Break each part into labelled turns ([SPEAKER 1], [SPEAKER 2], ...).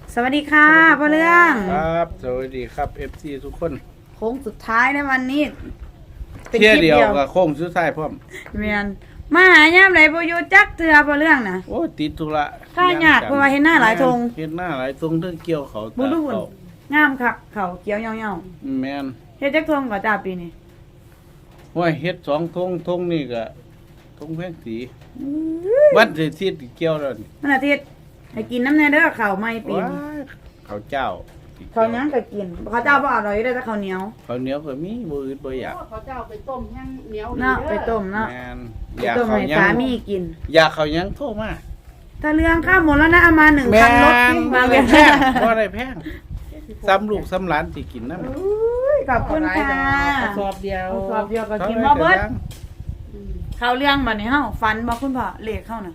[SPEAKER 1] สวัสดีค่ะพ่อเรื่อง
[SPEAKER 2] ครับสวัสดีครับ FC ทุกคน
[SPEAKER 1] โค้งสุดท้ายในวันนี้เป็น
[SPEAKER 2] เที่ย
[SPEAKER 1] คลิป
[SPEAKER 2] เดียว
[SPEAKER 1] เดียว
[SPEAKER 2] กับโค้งสุดท้ายพร้อม
[SPEAKER 1] เมียนมาหายามไหนบ่อยู่จักเทือพ่อเรื่องน่ะ
[SPEAKER 2] โอ้ติดธุระ
[SPEAKER 1] ค่ายากเพราะว่าเห็นหน้าหลายธง
[SPEAKER 2] เห็นหน้าหลายทงเรื่องเกี่ยวเขา
[SPEAKER 1] บุ
[SPEAKER 2] ตา
[SPEAKER 1] รุษ
[SPEAKER 2] เขา
[SPEAKER 1] งามคักเขาเขียวเหี่ยว
[SPEAKER 2] แม่น
[SPEAKER 1] ๆเฮ็ดจักทงก็จ้าปีนี้
[SPEAKER 2] ว่าเฮ็ด2 ทงนี่ก็ทงแพงสีวันที่ทิศเกี่ยวแล้วนี่
[SPEAKER 1] มันอาทิตย์ให้กินน้ำแน่เด้อข้าวใหม่ปี
[SPEAKER 2] ว้าน ข้าวเจ้า
[SPEAKER 1] ข้าวหยังก็กินข้าวเจ้าบ่อร่อยได้แต่ข้าวเหนียว
[SPEAKER 2] ข้าวเหนียวก็มีบ่อื่นบ่อยาก
[SPEAKER 3] เขาเจ้าไปต้มยังเหนียว
[SPEAKER 1] เนาะไปต้มเนาะ
[SPEAKER 2] แม่น
[SPEAKER 1] ไป
[SPEAKER 2] อยาก
[SPEAKER 1] ต้ม
[SPEAKER 2] ข้าว
[SPEAKER 1] ให้
[SPEAKER 2] หยั
[SPEAKER 1] สาง มีกิน
[SPEAKER 2] อยากข้าวหยังโทรมา
[SPEAKER 1] ถ้าเรื่องข้าวหมดแล้วนะเอามา1,000รถที่
[SPEAKER 2] บ่
[SPEAKER 1] มาเล
[SPEAKER 2] ได้
[SPEAKER 1] ย
[SPEAKER 2] แพงบ่ได้แพงซ้ำลูกซ้ำหลานสิกินนำ
[SPEAKER 1] ขอบคุณค่ะ
[SPEAKER 3] สอบเดียว
[SPEAKER 1] สอบเดียวก็กินบ่เบิดเข้าเรื่องบัดนี้เฮาฝันบ่คุณพ่อเลขเข้าน่ะ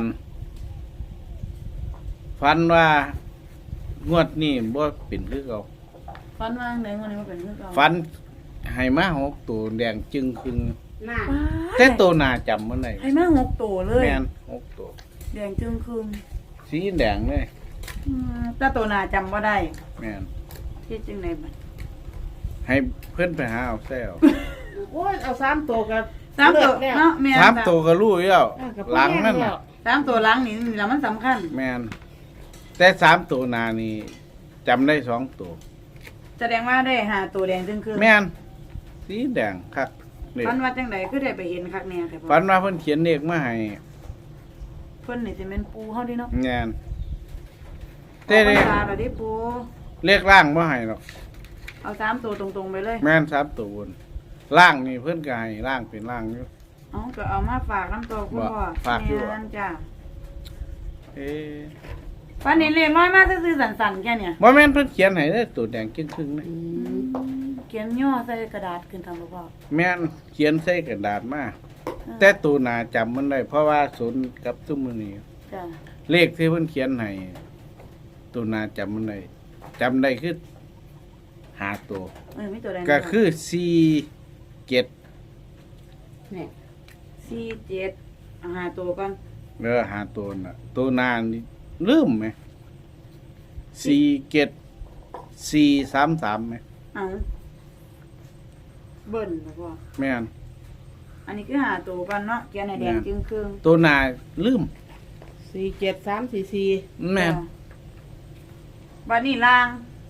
[SPEAKER 2] ฟันว่างวดนี้บ่เป็นคือเก่า
[SPEAKER 1] ฝันว่าไหนวันนี้มาเป็นคือเก่า
[SPEAKER 2] ฟันให้มา6ตัวแดงจึงครึ่ง
[SPEAKER 3] หน้า
[SPEAKER 2] แต่ตัวหน้าจำบ่ได้
[SPEAKER 1] ให้มา6ตัวเลย
[SPEAKER 2] แม่น6ตัว
[SPEAKER 1] แดงจึงคืน
[SPEAKER 2] สีแดงเลย
[SPEAKER 1] แต่ตัวหน้าจำบ่ได้
[SPEAKER 2] แม่น
[SPEAKER 1] ที่จึงไดบัด
[SPEAKER 2] ให้เพิ่นไปหาเอาแซว
[SPEAKER 3] โอ้ยเอา3ตัวกับ
[SPEAKER 1] สามตัวเนาะแม่น
[SPEAKER 2] สามตัวก็รู้อยู่แล้วหลังนั่นน่ะ
[SPEAKER 1] สามตัวหลังนี่แหละมันสำคัญ
[SPEAKER 2] แม่นแต่3ตัวหน้านี่จำได้2ตัว
[SPEAKER 1] แสดงว่าได้หาตัวแดงจึงคืน
[SPEAKER 2] แม่นสีแดงคักนี่
[SPEAKER 1] ฝันว่าจังไดคือได้ไปเห็นคักแน่แต่
[SPEAKER 2] ฝันว่าเพิ่นเขียนเลขมาให้
[SPEAKER 1] เพิ่นนี่สิแม่นปูเฮาเดิเนาะ
[SPEAKER 2] แม่น
[SPEAKER 1] แต่
[SPEAKER 2] แต่
[SPEAKER 1] เล
[SPEAKER 2] เล
[SPEAKER 1] ข
[SPEAKER 2] ข
[SPEAKER 1] แล้วดิปู
[SPEAKER 2] เลขล่างบ่ให้หรอก
[SPEAKER 1] เอาสามตัวตรงๆไปเลย
[SPEAKER 2] แม่น3ตัวบนล่างนี่เพิ่นก็ให้ล่างเป็นล่างอยู่
[SPEAKER 1] เอาก็เอามาฝากน้ำตัวคุณพ่อ
[SPEAKER 2] ฝากอยู่
[SPEAKER 1] แม่นจ้ะ
[SPEAKER 2] เอ๊ะ
[SPEAKER 1] วันนี้เลขน้อยมากซื่อๆสั่นๆแค่เนี่ย
[SPEAKER 2] บ่แม่นเพิ่นเขียนให้เด้อตัวแดงครึ่งๆนี่
[SPEAKER 1] เขียนย่อใส่กระดาษขึ้นทางพ่อ
[SPEAKER 2] แม่นเขียนใส่กระดาษมาแต่ตัวหน้าจำมันได้เพราะว่าศูนย์กับซุมมื้อนี้
[SPEAKER 1] จ้ะ
[SPEAKER 2] เลขที่เพิ่นเขียนให้ตัวหน้าจำมันได้จำได้คือ5ตัว
[SPEAKER 1] มีตัวใด
[SPEAKER 2] ก็คือ4 7
[SPEAKER 3] เนี่ย
[SPEAKER 1] 47หาตัวก่อน
[SPEAKER 2] 5ตัวน่ะตัวหน้านี่ลืมไหม4 7 4 3 3ไหม
[SPEAKER 1] เอาเบิ่นพ่อ
[SPEAKER 2] แม่น
[SPEAKER 1] อันนี้คือหาตัวก่อนเนาะเขียนให้แดงจึงครึ่ง
[SPEAKER 2] ตัวหน้าลืม
[SPEAKER 3] 47344
[SPEAKER 2] แม่น
[SPEAKER 1] บัดนี้ล่าง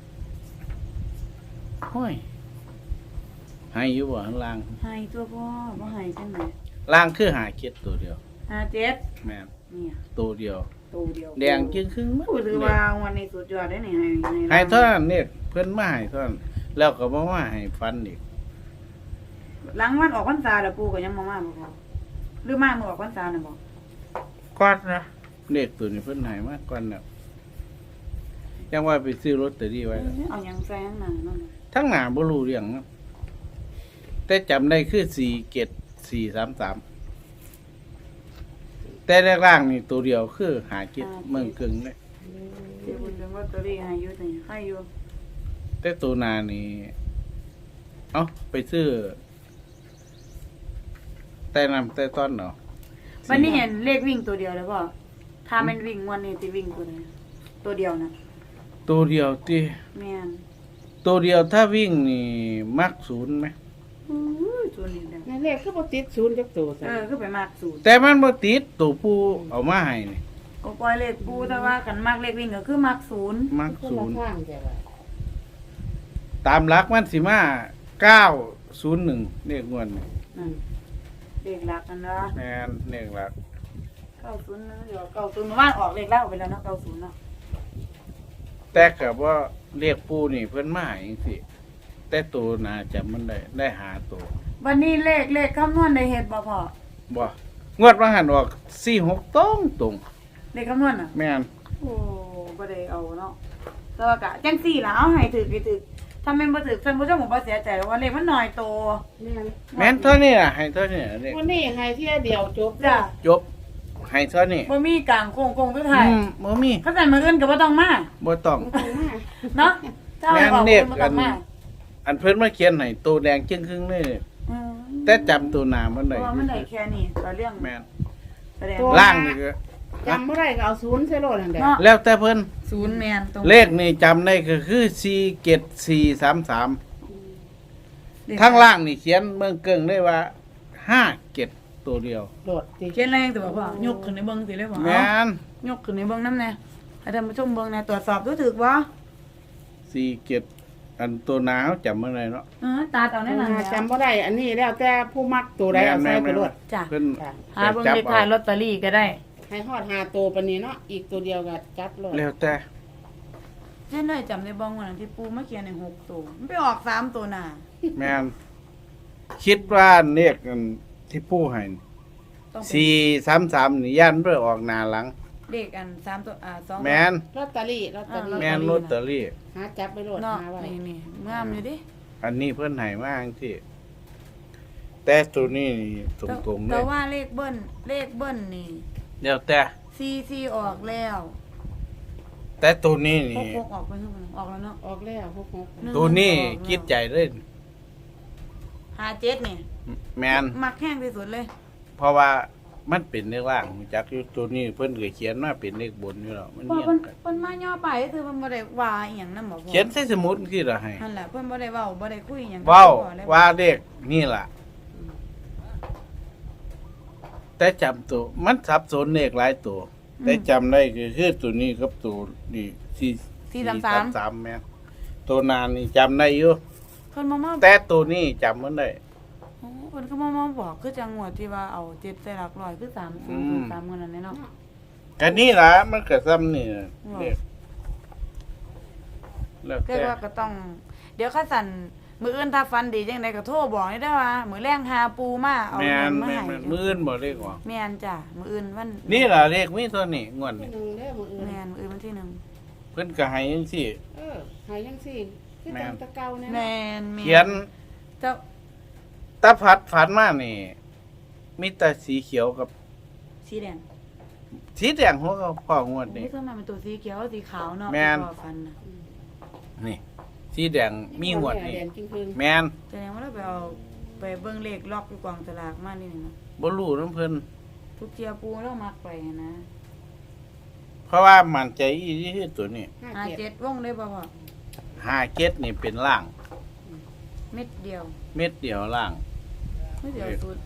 [SPEAKER 2] ห้อยให้อยู่บ่ข้างล่าง
[SPEAKER 1] ให้ตัวพ่อบ่ให้จังได๋
[SPEAKER 2] ล่างคือหาเก็ดตัวเดียว
[SPEAKER 1] 57
[SPEAKER 2] แม่น
[SPEAKER 1] เนี่ย
[SPEAKER 2] ตัวเดียว
[SPEAKER 1] ตัวเดียว
[SPEAKER 2] แดงจึงครึ่ง
[SPEAKER 1] พูดถือว่าวันนี้สุดยอดได้นี่ให้
[SPEAKER 2] ให้เท่านั้นเนี่ยเพิ่นมาให้เท่านั้นแล้วก็บ่มาให้ฟันอีก
[SPEAKER 1] หลังวันออกพรรษาแล้วปู่ก็ยังบ่มาบ่พ่อหรือมาเมื่อออกพรรษาน่ะบ่
[SPEAKER 2] ก่อนนะเลขตัวนี้เพิ่นให้มาก่อนน่ะยังว่าไปซื้อลอตเตอรี่ไว้แล้ว
[SPEAKER 1] เอาหยังแซงหน้านั่นน่ะ
[SPEAKER 2] ทั้งหน้าบ่รู้เรื่องนะแต่จำได้คือ4 7 4 3 3แต่แรกล่างนี่ตัวเดียวคือหาเก็ดเมืองกึ่งเลย
[SPEAKER 1] สิบุญเรื่องลอตเตอรี่ให้อยู่นี่ให้อยู่
[SPEAKER 2] แต่ตัวหน้านี่เอ้าไปซื้อแต่นำแต่ต้นเนาะ
[SPEAKER 1] วันนี้เห็นเลขวิ่งตัวเดียวแล้วพ่อถ้ามันวิ่งวันนี้สิวิ่งตัวใดตัวเดียวนะ
[SPEAKER 2] ตัวเดียวที่
[SPEAKER 1] แม่น
[SPEAKER 2] ตัวเดียวถ้าวิ่งนี่มักศูนย์ไหม
[SPEAKER 1] อู้ยตัวนี้แหละ
[SPEAKER 3] นั่นเลขคือบ่ติด0จักตัวซะ
[SPEAKER 1] คือไปมากสูตร
[SPEAKER 2] แต่มันบ่ติดตัวผู้เอามาให้นี่
[SPEAKER 1] ก็ปล่อยเลขปูแต่ว่ากันมากเลขวิ่งก็คือมากศูนย์
[SPEAKER 2] มัก
[SPEAKER 3] คน
[SPEAKER 2] ศู
[SPEAKER 3] ละ
[SPEAKER 2] นย์
[SPEAKER 3] ข้างแต่ว่า
[SPEAKER 2] ตามหลักมันสิมา901เลขงวดนี่
[SPEAKER 1] นั่นเลขหลักนั่นนะ
[SPEAKER 2] แม่นเลขหลัก
[SPEAKER 1] 90นะเดี๋ยว90เมื่อวานออกเลขแล้วไปแล้วเนาะ90เนาะ
[SPEAKER 2] แต่ก็บ่เลขผู้นี่เพิ่นมาให้จังซี่แต่ตัวน่าจะมันได้หาตัว
[SPEAKER 1] วันนี้เลขคำนวณได้เฮ็ดบ่พ่อ
[SPEAKER 2] บ่งวดว่าหันออก46ตรง
[SPEAKER 1] เลขคำนวณน่ะ
[SPEAKER 2] แม่น
[SPEAKER 1] โอ้บ่ได้เอาเนาะแต่ว่ากะจังซี่ล่ะเอาให้ถือไปถือถ้าแม่นบ่ถือท่านผู้ชมผมบ่เสียใจหรอกว่าเลขมันน้อยโต
[SPEAKER 3] แม่น
[SPEAKER 2] แม่นเท่านี้ล่ะให้เท่านี้ล่ะเลข
[SPEAKER 3] วันนี้ให้เที่ยเดียวจบ
[SPEAKER 1] จ้ะ
[SPEAKER 2] จบให้เท่านี้
[SPEAKER 1] บ่มีกลางโค้งสุดท้าย
[SPEAKER 2] บ่มี
[SPEAKER 1] เขาสั่นมื้ออื่นก็บ่ต้องมา
[SPEAKER 2] บ่ต้อง
[SPEAKER 1] เนาะเจ้าให้บอก
[SPEAKER 2] แม่น
[SPEAKER 1] บ่ต้องมา
[SPEAKER 2] อันเพิ่นมาเขียนให้ตัวแดงจึงครึ่งเลย
[SPEAKER 1] อืม
[SPEAKER 2] แต่จำตัวหน้ามัน
[SPEAKER 1] เพ
[SPEAKER 2] ได้
[SPEAKER 1] ราะว่ามันได้แค่นี้ต่อเรื่อง
[SPEAKER 2] แม่น
[SPEAKER 1] แสดง
[SPEAKER 2] ล่างนี่ก็
[SPEAKER 3] จำบ่ได้ก็เอาศูนย์ใส่โลดนั่นแหละ
[SPEAKER 1] เนาะ
[SPEAKER 2] แล้วแต่เพิ่น
[SPEAKER 1] ศูนย์แมนตรง
[SPEAKER 2] เลขนี่จำได้ก็คือ47433ข้างล่างนี่เขียนเมืองเกิงได้ว่า57ตัวเดียว
[SPEAKER 3] โลดติ
[SPEAKER 1] เขียนแรงแต่บอกว่ายกขึ้นในเบิ้งสิเลยบอก
[SPEAKER 2] แม่น
[SPEAKER 1] ยกขึ้นในเบิ้งน้ำแน่ให้ท่านผู้ชมเบิ้งแน่ตรวจสอบดูถึกบ่
[SPEAKER 2] 47อันตัวหนาวจำบ่ได้เนาะ
[SPEAKER 1] ตาเอาแน่นอน
[SPEAKER 3] จำบ่ได้อันนี้แล้วแต่ผู้มักตัวใดเอาใส่ไปโลด
[SPEAKER 1] จ้ะ
[SPEAKER 2] เพิ่น
[SPEAKER 3] ค่ะ
[SPEAKER 1] หาเบิ้งเลขท้ายลอตเตอรี่ก็ได้
[SPEAKER 3] ให้ฮอด5ตัวปานนี้เนาะอีกตัวเดียวก็จับโลด
[SPEAKER 2] แล้วแต่
[SPEAKER 1] เช่นเลยจำได้บ้องวันนั้นที่ปูมาเขียนใน6ตัวมันไปออก3ตัวหน้า
[SPEAKER 2] แม่นคิดว่าเลขอันที่ผู้ให้
[SPEAKER 1] ต้องเป็น
[SPEAKER 2] 433นี่ย่านเพิ่นออกหน้าหลัง
[SPEAKER 1] เลขอัน3ตัว2
[SPEAKER 2] แม่น
[SPEAKER 3] ลอตเตอรี่
[SPEAKER 2] แม่นลอตเตอรี่
[SPEAKER 3] หาจับไปโลด
[SPEAKER 1] เนาะ
[SPEAKER 3] หาไว้
[SPEAKER 1] นี่งามอยู่ดิ
[SPEAKER 2] อันนี้เพิ่นให้มาจังซี่แต่ตัวนี้นี่ตรงๆเล
[SPEAKER 1] แต่
[SPEAKER 2] ย
[SPEAKER 1] ว่าเลขเบิ้ลนี่
[SPEAKER 2] แล้วแต่
[SPEAKER 1] 4ออกแล้ว
[SPEAKER 2] แต่ตัวนี้นี่
[SPEAKER 1] 6ออกไปเท่าไหร่ออกแล้วเนาะ
[SPEAKER 3] ออกแล้ว66
[SPEAKER 2] ตัวนี้คิดใจเลย
[SPEAKER 1] 57นี่
[SPEAKER 2] แมน
[SPEAKER 1] มักแห้งที่สุดเลย
[SPEAKER 2] เพราะว่ามันเป็นเลขล่างรู้จักอยู่ตัวนี้เพิ่นก็เขียนมาเป็นเลขบนอยู่แล้วมัน
[SPEAKER 1] เพราะ
[SPEAKER 2] เรีย
[SPEAKER 1] เพิ่น
[SPEAKER 2] งกัน
[SPEAKER 1] เพิ่นมาย่อไปก็คือเพิ่นบ่ได้ว่าอีหยังนำบ่พ่อ
[SPEAKER 2] เขียนใส่สมุดคือละให้
[SPEAKER 1] นั่นแหละเพิ่นบ่ได้เว้าบ่ได้คุยหยังกับ
[SPEAKER 2] เว้า
[SPEAKER 1] พ่อเลย
[SPEAKER 2] ว่าเลขนี่ล่ะ แต่จำตัวมันสับสนเลขหลายตัว แต่จำได้คือตัวนี้กับตัวนี่433แม่นตัวนานนี่จำได้อยู่
[SPEAKER 1] เพิ่นมา
[SPEAKER 2] แต่ตัวนี้จำมันได้
[SPEAKER 1] โอ้เพิ่นก็มาบอกคือจังหวัดที่ว่าเอา7ใส่หลักร้อยคือ303เงินนั่นเนาะ
[SPEAKER 2] ก็นี่ล่ะมันก็ซ้ำนี่น่ะเลขแล้ว
[SPEAKER 1] แต่
[SPEAKER 2] แต่
[SPEAKER 1] ว่าก็ต้อง เดี๋ยวคัสั่นมื้ออื่นถ้าฟันดีจังไดก็โทรบอกได้เด้อว่ามื้อแรงหาปูมาเอา
[SPEAKER 2] แม่
[SPEAKER 1] เงิ
[SPEAKER 2] น
[SPEAKER 1] นมา
[SPEAKER 2] แม่
[SPEAKER 1] ให้
[SPEAKER 2] นมื้ออื่นบ่เลขออก
[SPEAKER 1] แม่นจ้ะมื้ออื่นวัน
[SPEAKER 2] นี่ล่ะเลขมีตัวนี้งวด
[SPEAKER 3] ที่
[SPEAKER 2] นี้
[SPEAKER 3] หนึ่งเด้อมื้ออื่น
[SPEAKER 1] แม่นมื้ออื่นวันที่
[SPEAKER 2] เพิ่นก็ให้จังซี่
[SPEAKER 3] ให้จังซี่คือ
[SPEAKER 2] แม่
[SPEAKER 3] จั
[SPEAKER 2] น
[SPEAKER 3] งแตะเก่าเนี่ย
[SPEAKER 1] 1แม่น
[SPEAKER 2] เขียน
[SPEAKER 1] เจ้า
[SPEAKER 2] ตาพัดฝันมานี่ มีแต่สีเขียวกับ
[SPEAKER 1] สีแดง
[SPEAKER 2] สีแดงหัวก็พ่องวดนี่
[SPEAKER 1] นี่คือมันเป็นตัวสีเขียวสีขาวเนาะ
[SPEAKER 2] แม่น
[SPEAKER 1] ที่พ่อฟันน่ะ
[SPEAKER 2] นี่ สีแดงมีงวดนี่
[SPEAKER 3] แดงจริง
[SPEAKER 2] แม่น
[SPEAKER 1] แสดงว่าเราไปเอาไปเบิ่งเลขล็อกอยู่กองสลากมานี่นะ
[SPEAKER 2] บ่รู้นำเพิ่น
[SPEAKER 1] ทุกเทียปูเรามักไปนะ
[SPEAKER 2] เพราะว่ามั่นใจอีหลีคือตัวนี้
[SPEAKER 3] ๆ
[SPEAKER 1] 57วงได้บ่พ่อ
[SPEAKER 2] 57นี่เป็นล่าง
[SPEAKER 1] เม็ดเดียว
[SPEAKER 2] เม็ดเดียวล่าง
[SPEAKER 1] เม็ดเดียวสุด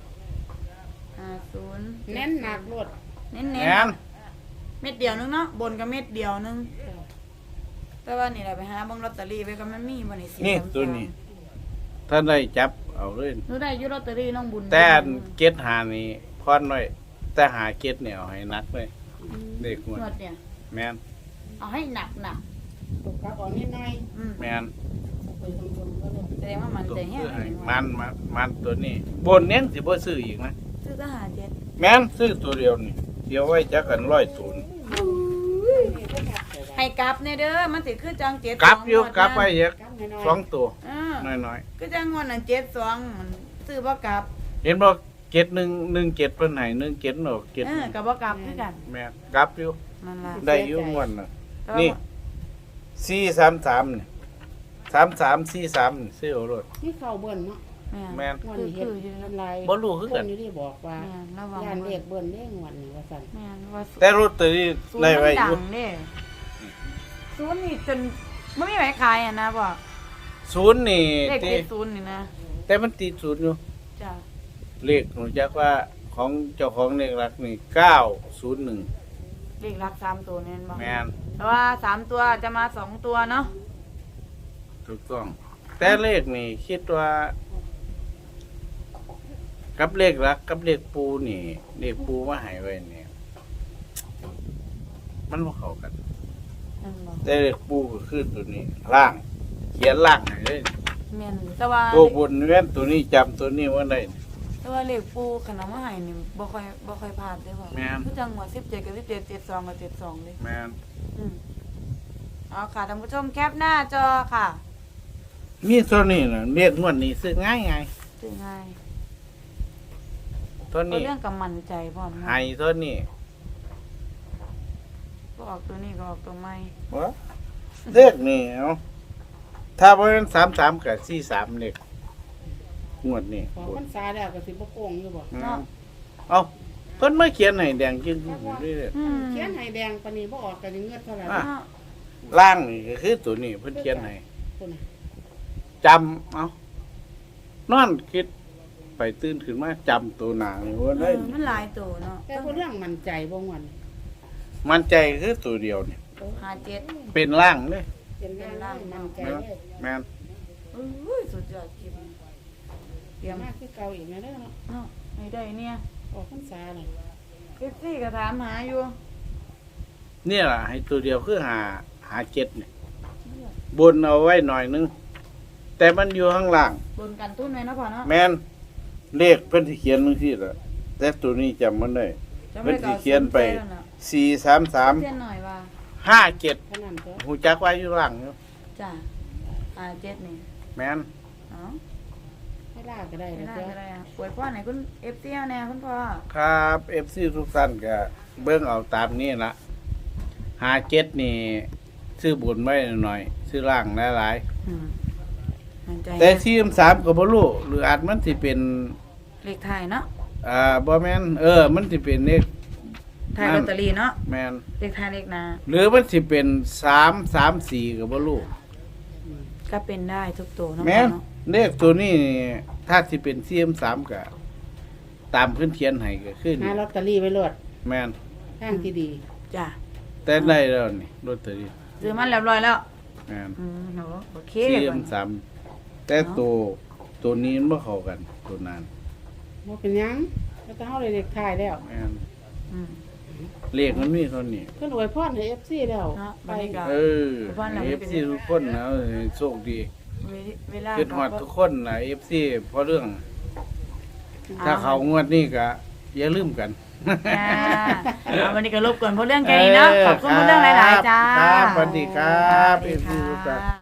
[SPEAKER 1] 50
[SPEAKER 3] เน้นหนักโลด
[SPEAKER 1] เน้น
[SPEAKER 2] แม่น
[SPEAKER 1] ๆเม็ดเดียวนึงเนาะบนก็เม็ดเดียวนึงแต่ว่านี่แหละไปหาเบิ่งลอตเตอรี่ไว้ก็มันมีบ่นี่
[SPEAKER 2] นี่ตัวนี้ ถ้าได้จับเอาเลย
[SPEAKER 1] หนูได้อยู่ลอตเตอรี่น้องบุญ
[SPEAKER 2] แต่อันเกตหานี่พอนไว้แต่หาเกตเนี่ยเอาให้นักเลยเด็กงวด
[SPEAKER 1] นวดเนี่ย
[SPEAKER 2] แม่น
[SPEAKER 1] เอาให้หนัก
[SPEAKER 3] ตกกลับออกนิดหน่อย
[SPEAKER 1] อืม
[SPEAKER 2] แม่น
[SPEAKER 3] ไปตรงๆก็เลย
[SPEAKER 1] แสดงว่ามัน
[SPEAKER 2] ตัว
[SPEAKER 1] ใจแห้
[SPEAKER 2] ซื้
[SPEAKER 1] ง
[SPEAKER 2] อให้มันตัวนี้บนเนี้ยสิบ่ซื้ออีกนะ
[SPEAKER 1] ซื้อก็57
[SPEAKER 2] แม่นซื้อตัวเดียวนี่เดียวไว้จักกัน100ตัวนี่
[SPEAKER 1] ให้กลับเนี่ยเด้อมันสิคือจัง7
[SPEAKER 2] กลับอยู่กลับไปเยอะ
[SPEAKER 3] กลับหน่อย
[SPEAKER 2] สองตัว
[SPEAKER 1] น้
[SPEAKER 2] น้อย
[SPEAKER 1] คือจังงวดนั้น72มันซื้อบ่กลับ
[SPEAKER 2] ๆเห็นบ่เกต117เพิ่นให้17เนาะเกต
[SPEAKER 1] ก็บ่กลับคือกัน
[SPEAKER 2] แม่นกลับอยู่
[SPEAKER 1] นั่นล่ะ
[SPEAKER 2] ได้อยู่งวดน่ะ
[SPEAKER 1] แต่ว่า
[SPEAKER 2] นี่ 433นี่3343นี่ซื้อเอาโลด
[SPEAKER 3] นี่เข้าเบิ่นเนาะ
[SPEAKER 2] แม่น
[SPEAKER 3] งวดนี้เฮ็ด
[SPEAKER 1] อยู่นั่น
[SPEAKER 3] น้ำลาย
[SPEAKER 2] บ่รู้คือกัน
[SPEAKER 3] นอยู่ที่บอกว่า
[SPEAKER 1] แม่นระวัง
[SPEAKER 3] ย่านเรียกเบิ่นเด้งวดนี้ว่าซั่น
[SPEAKER 1] แม่นว่า
[SPEAKER 2] แต่รถตัวนี้
[SPEAKER 1] ศูนย์
[SPEAKER 2] ได้
[SPEAKER 1] มัน
[SPEAKER 2] ไว้อ
[SPEAKER 1] ดั
[SPEAKER 2] ยู่
[SPEAKER 1] งเด้ศูนย์นี่จนบ่มีไว้ขายอ่ะนะบ่
[SPEAKER 2] ศูนย์นี่
[SPEAKER 1] เลข
[SPEAKER 2] ที่
[SPEAKER 1] ติดศูนย์นี่นะ
[SPEAKER 2] แต่มันติดศูนย์อยู่
[SPEAKER 1] จ้ะ
[SPEAKER 2] เลขรู้จักว่าของเจ้าของเลขหลักนี่901
[SPEAKER 1] เลขหลัก3ตัวนี่แม่นบ่
[SPEAKER 2] แม่น
[SPEAKER 1] แต่ว่า3ตัวจะมา2ตัวเนาะ
[SPEAKER 2] ถูกต้อง แต่เลขนี่คิดว่า กับเลขหลักกับเลขปูนี่เลขปูมาให้ไว้นี่มันบ่เข้ากัน
[SPEAKER 1] นั่นบ่
[SPEAKER 2] แต่เลขปูก็คือตัวนี้ล่าง เขียนล่างให้เลย
[SPEAKER 1] แม่นแต่ว่า
[SPEAKER 2] ตัวบนแม่นตัวนี้จำตัวนี้ไว้ได้
[SPEAKER 1] แต่ว่าเลขปูขนมมาให้นี่บ่ค่อยพลาดเด้อพ่อ
[SPEAKER 2] แม่น
[SPEAKER 1] คือจังหวะ17กับ17 72กับ72เลย
[SPEAKER 2] แม่น
[SPEAKER 1] เอาค่ะท่านผู้ชมแคปหน้าจอค่ะ
[SPEAKER 2] มีตัวนี้น่ะเลขงวดนี้ซื้อง่าย
[SPEAKER 1] ซื้อง่าย
[SPEAKER 2] ๆตัว
[SPEAKER 1] ก็
[SPEAKER 2] นี้
[SPEAKER 1] เรื่องกับมั่นใจพร้อมนะ
[SPEAKER 2] ให้ตัวนี้
[SPEAKER 1] ก็ออกตัวนี้ก็ออกตัวใหม่
[SPEAKER 2] บ่เลขนี่เอาถ้าบ่แม่น33กับ43เลขงวดนี้
[SPEAKER 3] ของพรรษาแล้วก็สิบ่โกงอยู่บ่
[SPEAKER 2] เอาตพิ่นมาเขียนให้แดงจึงเรื่อย
[SPEAKER 1] อืม
[SPEAKER 3] เขียนให้แดงปานนี้บ่ออกกันเงือดเท่าไหร่
[SPEAKER 2] อ่ะ
[SPEAKER 1] เนาะ
[SPEAKER 2] ๆล่างนี่ก็คือตัวนี้เพิ่นเขียนให้
[SPEAKER 3] คนน่ะ
[SPEAKER 2] จำเอานอนคิดไปตื่นขึ้นมาจำตัวหนานี่ว่าได้
[SPEAKER 1] มันหลายตัวเนาะ
[SPEAKER 3] แต่ผู้เรื่องมั่นใจบ่ม่วน
[SPEAKER 2] มันใจคือตัวเดียวนี่
[SPEAKER 1] 57
[SPEAKER 2] เป็นล่างเลย
[SPEAKER 3] เป็นร่างมั่นใจเลย
[SPEAKER 2] แม่น
[SPEAKER 1] อุ้ยสุดยอดจริงเตรียม
[SPEAKER 3] มากคือเก่าอีกนะเด้อเนาะ
[SPEAKER 1] เนาะให้ได้เนี่ย
[SPEAKER 3] ออกพรรษาน่ะ
[SPEAKER 1] ซี่ก็ถามหาอยู่
[SPEAKER 2] เนี่ยล่ะให้ตัวเดียวคือหาเจ็ดนี่บนเอาไว้หน่อยนึง แต่มันอยู่ข้างล่าง
[SPEAKER 1] บนกันตุ้นไว้เนาะพ่อเนาะ
[SPEAKER 2] แม่นเลขเพิ่นสิเขียนจังซี่ล่ะแต่ตัวนี้จำมันได้
[SPEAKER 1] จะ
[SPEAKER 2] เพิ่
[SPEAKER 1] ไม่
[SPEAKER 2] น
[SPEAKER 1] ได้
[SPEAKER 2] สิ
[SPEAKER 1] เก่า
[SPEAKER 2] เขียนไป
[SPEAKER 1] เส้นหน่อยว่า
[SPEAKER 2] 43357
[SPEAKER 3] ขนาดตัว
[SPEAKER 2] หูจักไว้อยู่ล่างอยู่
[SPEAKER 1] จ้ะ57นี่
[SPEAKER 2] แม่น
[SPEAKER 1] เนาะ
[SPEAKER 3] ให้ลากก็ได้
[SPEAKER 1] ไม่
[SPEAKER 3] แล้ว
[SPEAKER 1] ได้
[SPEAKER 3] จ้ะ
[SPEAKER 1] ก็ได้อะป่วยพ่อไหนคุณ FC เอาแน่คุณพ่อ
[SPEAKER 2] ครับ FC ทุกท่านก็เบิ่งเอาตามนี้ล่ะ57นี่ซื้อบนไว้หน่อยซื้อล่างหลายๆ
[SPEAKER 1] อืมมั่นใจ
[SPEAKER 2] แต่ทีมสามก็บ่รู้หรืออาจมันสิเป็น
[SPEAKER 1] เลขไทายเนาะ
[SPEAKER 2] บ่แม่นมันสิเป็นเลข
[SPEAKER 1] ไทายลอตเตอรี่เนาะ
[SPEAKER 2] แม่น
[SPEAKER 1] เลขไทายเลขนา
[SPEAKER 2] หรือมันสิเป็น334ก็บ่รู้
[SPEAKER 1] ก็เป็นได้ทุกตัวเนาะ
[SPEAKER 2] แม่น
[SPEAKER 1] เนาะ
[SPEAKER 2] เลขตัวนี้ถ้าสิเป็นทีมสามก็ตามเพิ่นเขียนให้ก็คือ
[SPEAKER 3] หา
[SPEAKER 2] นี่
[SPEAKER 3] ลอตเตอรี่ไว้โลด
[SPEAKER 2] แม่น
[SPEAKER 3] ทางที่ดี
[SPEAKER 1] จ้ะ
[SPEAKER 2] แต่ได้แล้วนี่ลอตเตอรี่
[SPEAKER 1] ซื้อมันเรียบร้อยแล้ว
[SPEAKER 2] แม่น
[SPEAKER 1] หนูโอเค
[SPEAKER 2] ที
[SPEAKER 1] ก่อ
[SPEAKER 2] ม
[SPEAKER 1] น
[SPEAKER 2] สามแต่ตัวนี้มันบ่เข้ากันตัวนั้น
[SPEAKER 3] บ่เป็นหยังแล้วก็เฮาได้เลขท้ายแล้ว
[SPEAKER 2] แม่น
[SPEAKER 1] อืม
[SPEAKER 2] เลขมันมีเท่านี้
[SPEAKER 3] เพิ่นอวยพรให้ FC แล้ว
[SPEAKER 1] เนาะ
[SPEAKER 3] ไป
[SPEAKER 1] บัดนี้ก็
[SPEAKER 2] เออ
[SPEAKER 1] บ้านหลังนี้เป็น
[SPEAKER 2] FC ทุกคนนะโชคดี
[SPEAKER 1] เวลา
[SPEAKER 2] เป็นฮอดทุกคนนะ FC เพราะเรื่อง ถ้าเขางวดนี้ก็อย่าลืมกัน
[SPEAKER 1] จ้าเอาวันนี้ก็รบกวนเพราะเรื่องแค่นี้เนาะขอบคุณเพราะเรื่องหลายๆจ้า
[SPEAKER 2] ครับสวัสดีครับ
[SPEAKER 1] สวัสดี
[SPEAKER 2] FC ทุกท่าน
[SPEAKER 1] ค่ะ